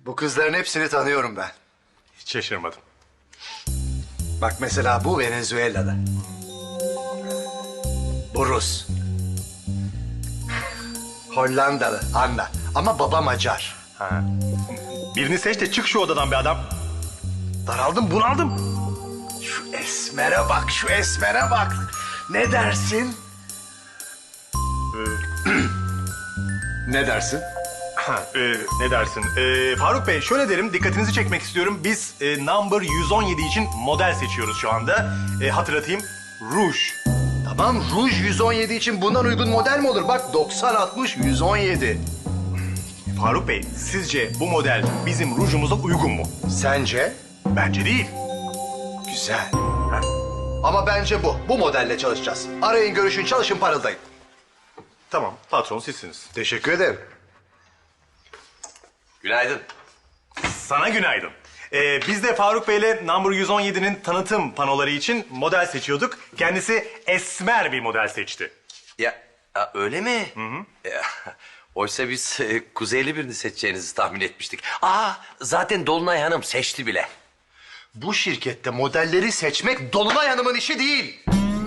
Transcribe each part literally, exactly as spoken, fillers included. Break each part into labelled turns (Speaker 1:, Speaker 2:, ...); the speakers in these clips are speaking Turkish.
Speaker 1: Bu kızların hepsini tanıyorum ben.
Speaker 2: Hiç şaşırmadım.
Speaker 1: Bak mesela bu Venezuela'da. Bu Rus. Hollandalı Anna. Ama baba Macar.
Speaker 2: Ha. Birini seç de çık şu odadan be adam. Daraldım, bunaldım.
Speaker 1: Şu esmere bak, şu esmere bak. Ne dersin?
Speaker 2: Ee,
Speaker 1: Ne dersin?
Speaker 2: ha, e, ne dersin? Ee, Faruk Bey, şöyle derim, dikkatinizi çekmek istiyorum. Biz e, number yüz on yedi için model seçiyoruz şu anda. E, hatırlatayım, Rouge.
Speaker 1: Tamam, Rouge yüz on yedi için bundan uygun model mi olur? Bak doksan altmış yüz on yedi.
Speaker 2: Faruk Bey, sizce bu model bizim rujumuza uygun mu?
Speaker 1: Sence?
Speaker 2: Bence değil.
Speaker 1: Güzel. Ama bence bu. Bu modelle çalışacağız. Arayın, görüşün, çalışın, parıldayın.
Speaker 2: Tamam, patron sizsiniz.
Speaker 1: Teşekkür ederim.
Speaker 3: Günaydın.
Speaker 2: Sana günaydın. Ee, biz de Faruk Bey'le number yüz on yedinin tanıtım panoları için model seçiyorduk. Kendisi esmer bir model seçti.
Speaker 3: Ya, ya öyle mi? Hı hı. Ya, oysa biz e, kuzeyli birini seçeceğinizi tahmin etmiştik. Aa, zaten Dolunay Hanım seçti bile.
Speaker 1: Bu şirkette modelleri seçmek Dolunay Hanım'ın işi değil.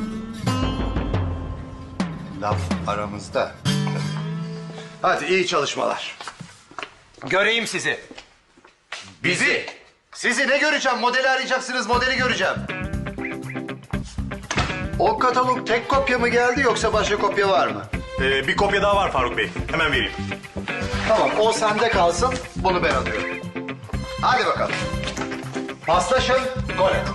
Speaker 1: Laf aramızda. Hadi iyi çalışmalar.
Speaker 3: Göreyim sizi.
Speaker 1: Bizi. Sizi ne göreceğim? Modeli arayacaksınız, modeli göreceğim. O katalog tek kopya mı geldi yoksa başka kopya var mı?
Speaker 2: Ee, bir kopya daha var Faruk Bey. Hemen vereyim.
Speaker 1: Tamam, o sende kalsın, bunu ben alıyorum. Hadi bakalım. Paslaşın, gol et.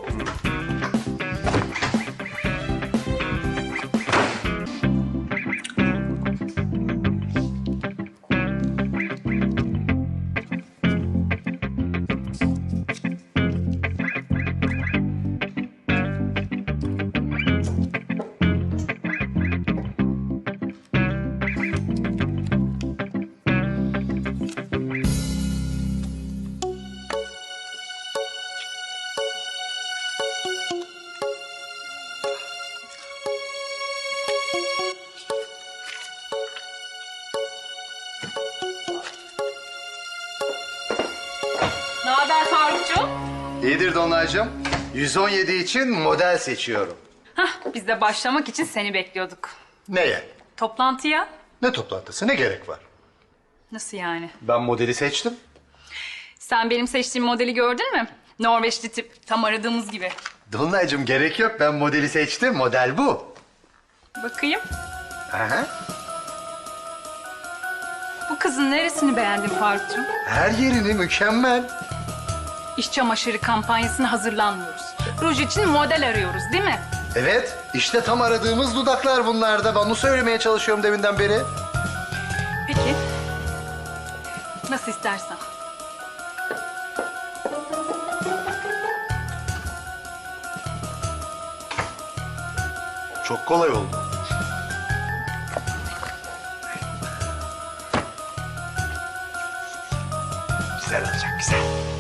Speaker 4: Ne haber Farukcuğum?
Speaker 1: İyidir Dolunaycığım. yüz on yedi için model seçiyorum.
Speaker 4: Hah, biz de başlamak için seni bekliyorduk.
Speaker 1: Neye?
Speaker 4: Toplantıya?
Speaker 1: Ne toplantısı, ne gerek var?
Speaker 4: Nasıl yani?
Speaker 1: Ben modeli seçtim.
Speaker 4: Sen benim seçtiğim modeli gördün mü? Norveçli tip, tam aradığımız gibi.
Speaker 1: Dolunaycığım gerek yok, ben modeli seçtim, model bu.
Speaker 4: Bakayım,
Speaker 1: Aha.
Speaker 4: bu kızın neresini beğendin Farukcuğum?
Speaker 1: Her yerini mükemmel.
Speaker 4: İş çamaşırı kampanyasına hazırlanmıyoruz. Ruj için model arıyoruz değil mi?
Speaker 1: Evet, işte tam aradığımız dudaklar bunlar da. Ben onu söylemeye çalışıyorum deminden beri.
Speaker 4: Peki. Nasıl istersen.
Speaker 1: Çok kolay oldu. Güzel olacak, güzel.